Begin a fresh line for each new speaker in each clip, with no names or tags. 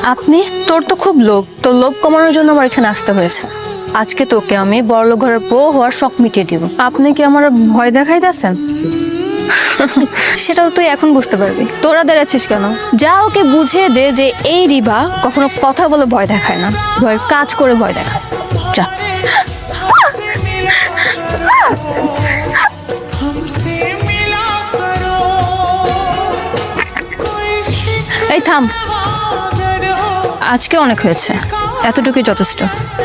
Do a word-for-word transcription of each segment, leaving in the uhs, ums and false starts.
আপনি? তোর তো খুব লোভ, তোর লোভ কমানোর জন্য আমার এখানে আসতে হয়েছে। আজকে তোকে আমি বড়লোক ঘরের বউ হওয়ার শখ মিটিয়ে দিব। আপনি কি আমার ভয় দেখাইতেছেন? সেটাও তুই এখন বুঝতে পারবি। তোরা দাঁড়াচ্ছিস কেন? যা ওকে বুঝিয়ে দে যে এই রিবা কখনো কথা বলে ভয় দেখায় না, ভয়ের কাজ করে ভয় দেখায়। যা। এই থাম, আজকে অনেক হয়েছে, এতটুকুই যথেষ্ট।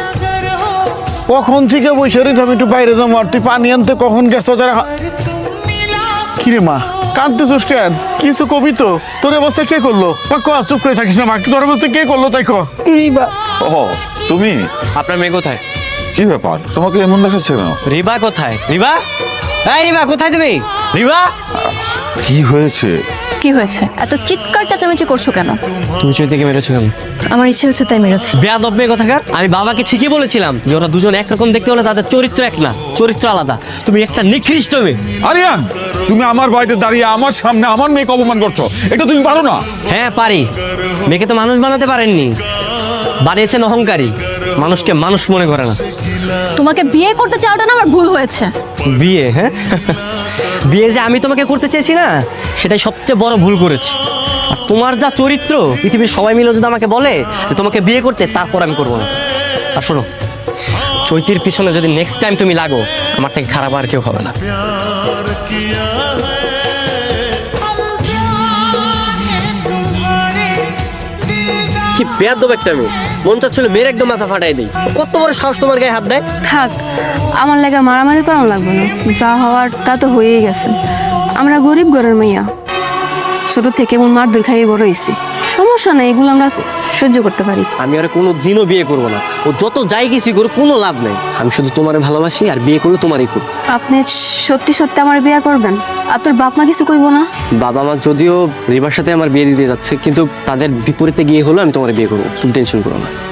কখন থেকে বসে রইতে আমি একটু বাইরে যাবো, আর তুই পানি আনতে কখন গেছো? যারা কিরে মা কাঁদতেছিস কেন? কিছু কবি তো, তোর অবস্থা কে করলো? মা ক, চুপ করে থাকিস না মা, তোর অবস্থা কে করলো তাই ক।
রিবা।
ও তুমি?
আপনার মেয়ে কোথায়?
কি ব্যাপার, তোমাকে এমন দেখাচ্ছে কেন?
রিবা কোথায়? রিবা, এই রিবা কোথায় তুমি? রিবা,
কি হয়েছে?
কি হয়েছে? এত চিৎকার চেঁচামেচি করছো কেন?
তুমি চৈতিকে মেরেছো কেন?
আমার ইচ্ছে হচ্ছে তাই মেরেছি।
বেয়াদব মেয়ে কোথাকার। আমি বাবাকে ঠিকই বলেছিলাম যে ওরা দুজন একরকম দেখতে হলে তাদের চরিত্র এক না, চরিত্র আলাদা। তুমি একটা নিকৃষ্ট মেয়ে।
আরিয়ান, তুমি আমার বাড়িতে দাঁড়িয়ে আমার সামনে আমার মেয়েকে অপমান করছো, এটা তুমি পারো না?
হ্যাঁ পারি, মেয়েকে তো মানুষ বানাতে পারেননি, বানিয়েছেন অহংকারী, মানুষকে মানুষ মনে করে না।
তোমাকে বিয়ে করতে চাওয়াটা না আমার ভুল হয়েছে।
বিয়ে? হ্যাঁ, বিয়ে যে আমি তোমাকে করতে চেয়েছি না, সেটাই সবচেয়ে বড় ভুল করেছি। আর তোমার যা চরিত্র, পৃথিবীর সবাই মিলে যদি আমাকে বলে যে তোমাকে বিয়ে করতে, তারপর আমি করবো না। আর শোনো, চৈতির পিছনে যদি নেক্সট টাইম তুমি লাগো, আমার থেকে খারাপ আর কেউ হবে না। কি বেয়াদব একটা মেয়ে, মন চাচ্ছিল মেয়ের একদম মাথা ফাটাই দেই। কত বড় সাহস তোমার গায়ে হাত দেয়?
থাক, আমার লাগে মারামারি করানো লাগবে না, যা হওয়ার তা তো হয়েই গেছে। আমরা গরিব ঘরের মেয়া, ছোট থেকে এমন মারধর খাইয়ে বড় হয়েছি, সমস্যা নেই, এগুলো আমরা সহ্য করতে পারি।
আমি আর কোনো দিনও বিয়ে করবো না, ও যত যাই কিছুই করুক কোনো লাভ নেই। আমি শুধু তোমারে ভালোবাসি, আর বিয়ে করলে তোমারই করব।
আপনি সত্যি সত্যি আমার বিয়ে করবেন? আপনার বাপ মা কিছু কইব না?
বাবা মা যদিও রিবার সাথে আমার বিয়ে দিতে যাচ্ছে, কিন্তু তাদের বিপরীতে গিয়ে হলো আমি তোমার বিয়ে করবো, তুমি টেনশন করো না।